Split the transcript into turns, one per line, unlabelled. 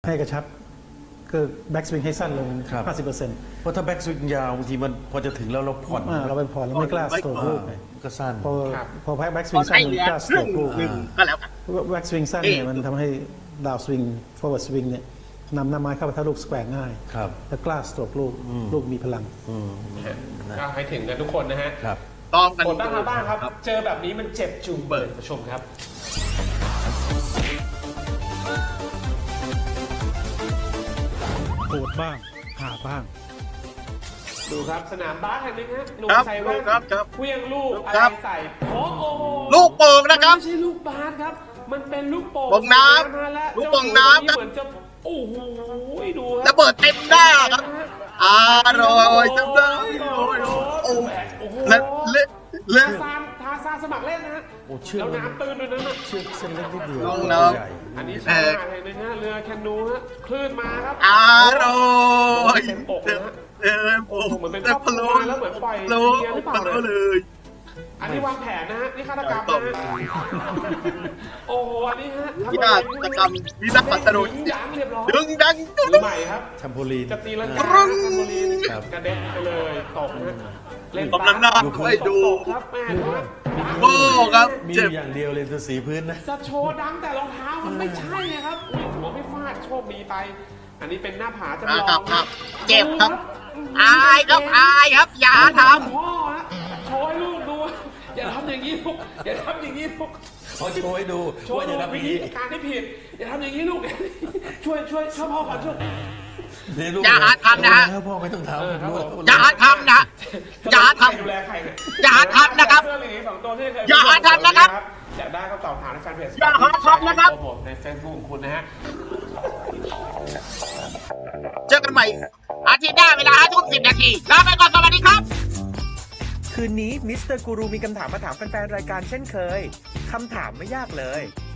ให้กระชับคือแบ็กสวิงให้สั้นลง 50%
เพราะถ้าแบ็กสวิงยาวบางทีมันพอจะถึงแล้วเราผ่อน
เราไปผ่อนเราไม่กล้าสโตรกลูก
ก็สั้น
พอแบ็กสวิงสั้นมันกล้าสโตรกลูก
ก็แล้วกัน
แบ็กสวิงสั้นเนี่ยมันทำให้ดาวสวิงฟอร์เวิร์ดสวิงเนี่ยนำหน้าไม้เข้าไปถ้าลูกสแควร์ง่าย
ครับ
และกล้าสโตรกลูกมีพลัง
ก็ให้ถึงกันทุกคนนะฮะ
ครับ
ต้องกัน
คนบ้างครับบ้างครับ เจอแบบนี้มันเจ็บจุงเบิร์ชมครับ
โหดบ้างหาบ้าง
ดูครับสนามบาสแห่งหนึงฮะหนุ่ม
ครับ
ใส่แว่น
ครับ
เคลี้ยงลูกอะไร
ครับ
ใส่โอ้โห
ลูกโป่งนะครับ
มันไม่ใช่ลูกบาสครับ มันเป็นลูกโป่ง
โป่งน้ำ
ใส่และ
ลูกโป่งน้ำครับ
เหมือนจะโอ้โหดูค
ระ
รับ
เบิดเต็มหน้าครับอร่อยจังเลย
โอ้โห
เละเละเละ
ทาซานสมัครเล่นนะฮะ
โอ้เชื่อ
แล้วน้ำตื้นด้วยนั้นนะ
เชือกเส้นเล็กนิดเดียว
ลงน้ำ
ใหญ่
อันนี้ชายหาดแห่งหนึงฮะเรือแคนูฮะคลื่นมาครับ
อร่อย
เต็มอกนะฮะ
เต็มอก
เหมือนเป็น
เต็ม
ครอบครัวแล้วเหมือนปล่อย
โล
เมียหรือเปล่าเนี่ย
เลย
อันนี้วางแผนนะฮะนี่ฆาตกรรมนะฮะโอ้โหอันนี้ฮะ
วินาศกรรมวินาศปัตตรุ
ยิงยั้งเรียบร้อย
ดึงดัง
มือใหม่ครับ
แชมโพลีน
จะตีลัง
นะ
กา
ปรึ้ง
แคมโบลีน
ครับ
กระเด็นไปเลยตกนะเล่น
กำลังน่าให้ดู
ตกครับแม่ดูครับ
โอ้ครับ
มี
เจ็บ
อย่างเดียวเลยคือสีพื้นนะ
จะโชว์ดังแต่รองเท้ามันไม่ใช่ไงครับอุ้ยหัวไม่ฟาดโชคดีไป อันนี้เป็นหน้าผาจำลอง
ครับเจ็บครับ อายครับอายครับ อย่าท
พ่อฮะโชว์ให้ลูกดู อย่าทำอย่างนี้ลูกอย่าทำอย่างนี้ลูก
เขาโชว์ให้ดู
โชว์
ว่า
ดู
จะทำอ
วิ
ย่าง
ธี
นี้
การที่ผิด อย่าทำอย่างนี้ลูก ช่วยพ่อก่อนช่วย
เนี่ยลูก
อย่าหาทำนะฮะ
แล้วพ่อไม่ต้องทำ
ครับผม
ำอย่าทำนะ อย่าทำ
ดูแลใครเนี่ย
อย่าทำนะครับ
เสื้อเหลืองสองตัวที่เคย
อย่าทำนะครับ
อยากได้ก็ตอบถามในแฟนเพจ
อย่าทำนะครับ
โปรโมทในเฟซบุ๊กของคุณนะฮะ
เจอกันใหม่ อาทิตย์หน้าเวลา5:10 น. ลาไปก่อนสวัสดีครับ
คืนนี้มิสเตอร์กูรูมีคำถามมาถามแฟนๆรายการเช่นเคย คำถามไม่ยากเลย